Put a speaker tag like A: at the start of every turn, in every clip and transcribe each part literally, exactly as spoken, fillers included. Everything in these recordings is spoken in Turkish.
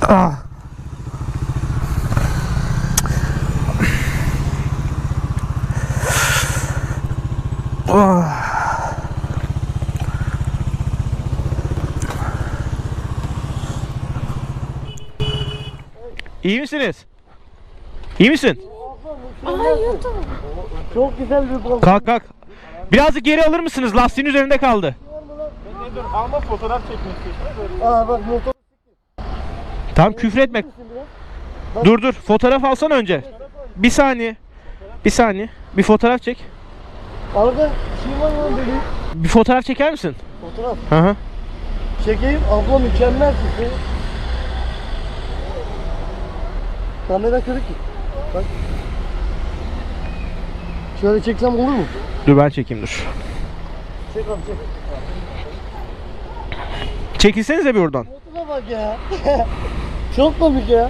A: Ah. Oh. İyi misiniz? İyi misin?
B: Çok güzel bir balık.
A: Kalk kalk. Birazcık geri alır mısınız? Lastiğin üzerinde kaldı.
C: Ben dur ama fotoğraf çekmek istiyorsun.
B: Aa bak motor.
A: Tamam, küfür etme. Dur dur, fotoğraf alsan önce. Bir saniye. Bir saniye. Bir fotoğraf çek.
B: Arada şey var mı benim?
A: Bir fotoğraf çeker misin?
B: Fotoğraf.
A: Hı hı.
B: Çekeyim. Abla mükemmel çıktı. Kamera kırık ki. Bak. Şöyle çeksem olur mu?
A: Dur ben çekeyim dur.
B: Çek abi çek.
A: Çekilsenize bir oradan.
B: Motora bak ya. Çok komik ya.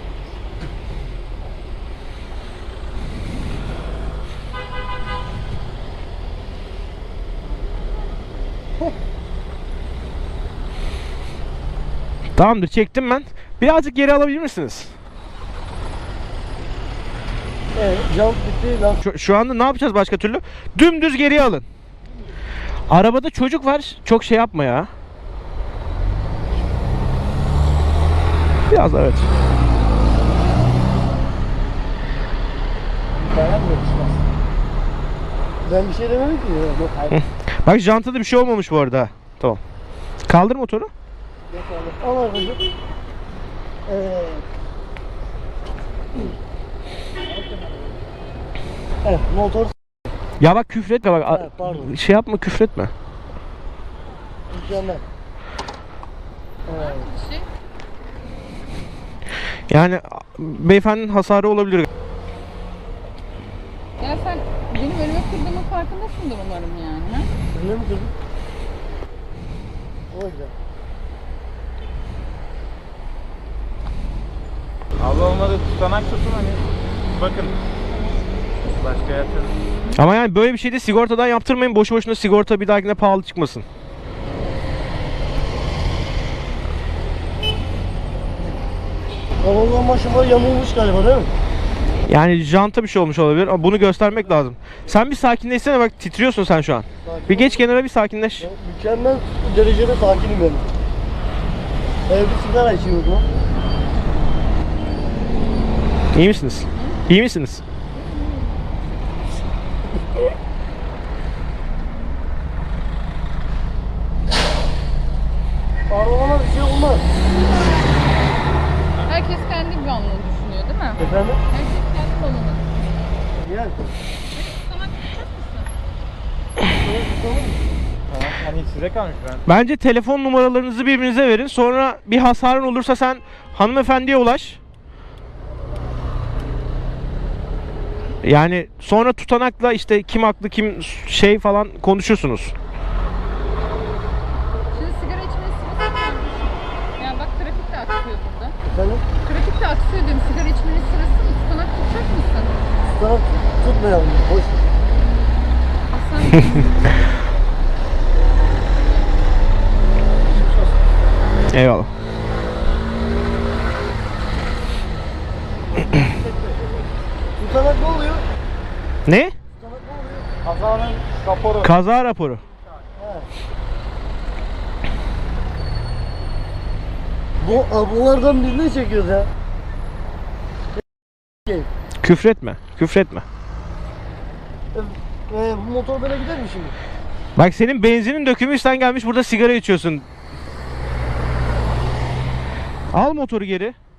A: Tamamdır, çektim ben. Birazcık geri alabilir misiniz?
B: Evet, jump bitti. Lan.
A: Şu, şu anda ne yapacağız başka türlü? Dümdüz geriye alın. Arabada çocuk var. Çok şey yapma ya. Biraz evet.
B: Ben bir şey demedim ki ya.
A: Bak jantada bir şey olmamış bu arada. Tamam. Kaldır motoru.
B: Al aracı. Evet. Evet, motor
A: Ya bak küfretme bak.
B: Evet, pardon.
A: Şey yapma, küfretme.
B: mükemmel. Evet.
A: Yani beyefendinin hasarı olabilir.
D: Ya sen benim önüme kırdığımın farkındasındır umarım yani. Ha?
B: Önüne mi kırdın? O yüzden.
C: Abla olmadı tutanak tutun hani. Bakın. Başka yatırım.
A: Ama yani böyle bir şeyde sigortadan yaptırmayın. Boşu boşuna sigorta bir dahakine pahalı çıkmasın.
B: Arabanın başıma yamulmuş galiba değil mi?
A: Yani janta bir şey olmuş olabilir ama bunu göstermek lazım. Sen bir sakinleşsene, bak titriyorsun sen şu an.
B: Sakin
A: Bir
B: ol.
A: geç kenara, bir sakinleş.
B: Ya, mükemmel derecede sakinim benim. Evde sigara içiyordum.
A: İyi misiniz? İyi misiniz?
B: Arabama bir şey olmaz.
D: Herkes kendi güvenliğini düşünüyor değil mi?
B: Efendim?
D: Herkes kendi konunu.
B: Gel.
D: Sana tutacak mısın?
C: Tamam hani size kalmış ben.
A: Bence telefon numaralarınızı birbirinize verin. Sonra bir hasarın olursa sen hanımefendiye ulaş. Yani sonra tutanakla işte kim haklı kim şey falan konuşursunuz.
D: Şimdi sigara içmenin sırası mı? Yani bak trafik de aksıyor burada.
B: Efendim?
D: Trafik de aksıyor diyorum. Sigara içmenin sırası mı? Tutanak tutacak mısın?
B: Sana tutmayalım. Boş.
D: Aslan
A: Eyvallah.
B: Tutanak ne oluyor?
A: Ne?
B: Tutanak ne oluyor?
C: Kazanın raporu.
A: Kaza raporu.
B: He. Bu ablalardan birini çekiyoruz ya.
A: Küfretme. Küfretme.
B: E, e, bu motor böyle gider mi şimdi?
A: Bak senin benzinin dökümü, sen gelmiş burada sigara içiyorsun. Al motoru geri.